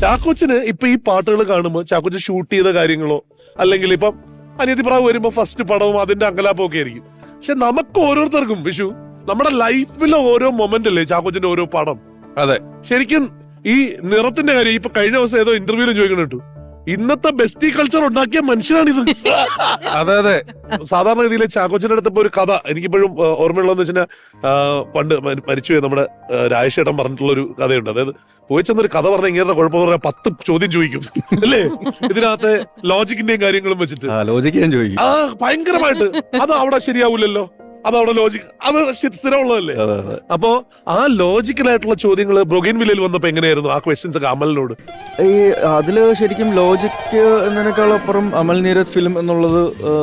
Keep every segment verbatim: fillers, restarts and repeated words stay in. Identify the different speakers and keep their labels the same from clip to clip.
Speaker 1: ചാക്കോച്ചന് ഇപ്പൊ ഈ പാട്ടുകൾ കാണുമ്പോ ചാക്കോച്ചൻ ഷൂട്ട് ചെയ്ത കാര്യങ്ങളോ അല്ലെങ്കിൽ ഇപ്പം അനിയത്തി പ്രാവ് വരുമ്പോ ഫസ്റ്റ് പടവും അതിന്റെ അങ്കലാപ്പും ഒക്കെ ആയിരിക്കും. പക്ഷെ നമുക്ക് ഓരോരുത്തർക്കും വിഷു നമ്മുടെ ലൈഫിലെ ഓരോ മൊമെന്റ് അല്ലേ ചാക്കോച്ചന്റെ ഓരോ പടം.
Speaker 2: അതെ,
Speaker 1: ശരിക്കും ഈ നിറത്തിന്റെ കാര്യം ഇപ്പൊ കഴിഞ്ഞ ദിവസം ഏതോ ഇന്റർവ്യൂവിലും ചോദിക്കണം കേട്ടു, ഇന്നത്തെ ബെസ്റ്റി കൾച്ചർ ഉണ്ടാക്കിയ മനുഷ്യനാണിത്.
Speaker 2: അതെ അതെ.
Speaker 1: സാധാരണ ഗതിയിലെ ചാക്കോച്ചന്റെ അടുത്തപ്പോ ഒരു കഥ എനിക്കിപ്പോഴും ഓർമ്മയുള്ളതെന്ന് വെച്ചാൽ പണ്ട് മരിച്ചുപോയി നമ്മുടെ രാജേഷേട്ടൻ പറഞ്ഞിട്ടുള്ള ഒരു കഥയുണ്ട്. അതായത് പോയി ചെന്നൊരു കഥ പറഞ്ഞ ഇങ്ങനെ കുഴപ്പമെന്ന് പറഞ്ഞാൽ പത്ത് ചോദ്യം ചോദിക്കും അല്ലേ, ഇതിനകത്തെ ലോജിക്കിന്റെയും കാര്യങ്ങളും വെച്ചിട്ട്
Speaker 2: ലോജിക്ക് ഞാൻ ചോദിക്കും.
Speaker 1: ആ ഭയങ്കരമായിട്ട് അത് അവിടെ ശരിയാവൂലല്ലോ, അത് അവിടെ ലോജിക് അത് സ്ഥിരമുള്ളതല്ലേ. അപ്പോ ആ ലോജിക്കലായിട്ടുള്ള ചോദ്യങ്ങൾ ബ്രൊഗൈൻ വില്ലയിൽ വന്നപ്പോ എങ്ങനെയായിരുന്നു ആ ക്വസ്റ്റ്യൻസ് ഒക്കെ അമലിനോട്?
Speaker 3: ഈ അതില് ശരിക്കും ലോജിക് എന്നതിനേക്കാളപ്പുറം അമൽ നീരജ് ഫിലിം എന്നുള്ളത്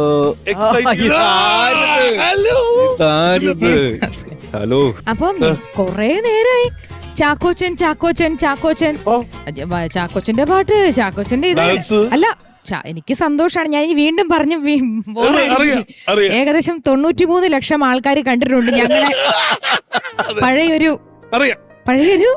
Speaker 3: ഹലോ.
Speaker 4: അപ്പം കൊറേ നേരായി ചാക്കോച്ചൻ ചാക്കോച്ചൻ ചാക്കോച്ചൻ ചാക്കോച്ചന്റെ പാട്ട് ചാക്കോച്ചന്റെ ഇത് അല്ല. എനിക്ക് സന്തോഷാണ്. ഞാൻ ഇനി വീണ്ടും പറഞ്ഞു, ഏകദേശം തൊണ്ണൂറ്റിമൂന്ന് ലക്ഷം ആൾക്കാർ കണ്ടിട്ടുണ്ട് ഞങ്ങളെ പഴയൊരു പഴയൊരു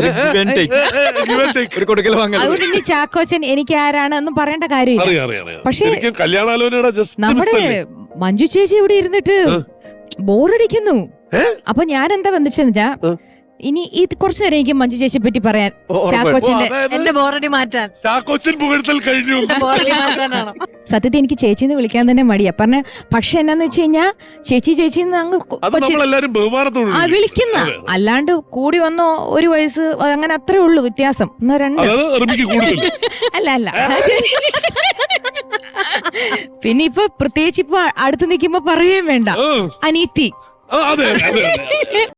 Speaker 4: അതുകൊണ്ട് ഇനി ചാക്കോച്ചൻ എനിക്ക് ആരാണ് എന്നും പറയേണ്ട കാര്യമില്ല. പക്ഷേ നമ്മുടെ മഞ്ജു ചേച്ചി ഇവിടെ ഇരുന്നിട്ട് ബോറടിക്കുന്നു. അപ്പൊ ഞാൻ എന്താ വന്നിച്ചെന്ന് വെച്ചാ ഇനി ഈ കുറച്ചു നേരം എനിക്ക് മഞ്ജു ചേച്ചിയെ പറ്റി പറയാൻ, ചാക്കോച്ചന്റെ
Speaker 5: എന്റെ ബോറടി മാറ്റാൻ,
Speaker 1: ചാക്കോച്ചൻ പുകഴ്ത്തൽ കഴിഞ്ഞു.
Speaker 4: സത്യത്തിൽ എനിക്ക് ചേച്ചിന്ന് വിളിക്കാൻ തന്നെ മടിയാ പറഞ്ഞ. പക്ഷെ എന്നാന്ന് വെച്ച് കഴിഞ്ഞാ ചേച്ചി ചേച്ചി അങ്ങ് ആ വിളിക്കുന്ന, അല്ലാണ്ട് കൂടി വന്നോ ഒരു വയസ്സ് അങ്ങനെ അത്രേ ഉള്ളൂ വ്യത്യാസം. ഒന്നോ രണ്ടോ അല്ല അല്ല. പിന്നെ ഇപ്പൊ പ്രത്യേകിച്ച് ഇപ്പൊ അടുത്ത് നിൽക്കുമ്പോ പറയുകയും വേണ്ട, അനീത്തി.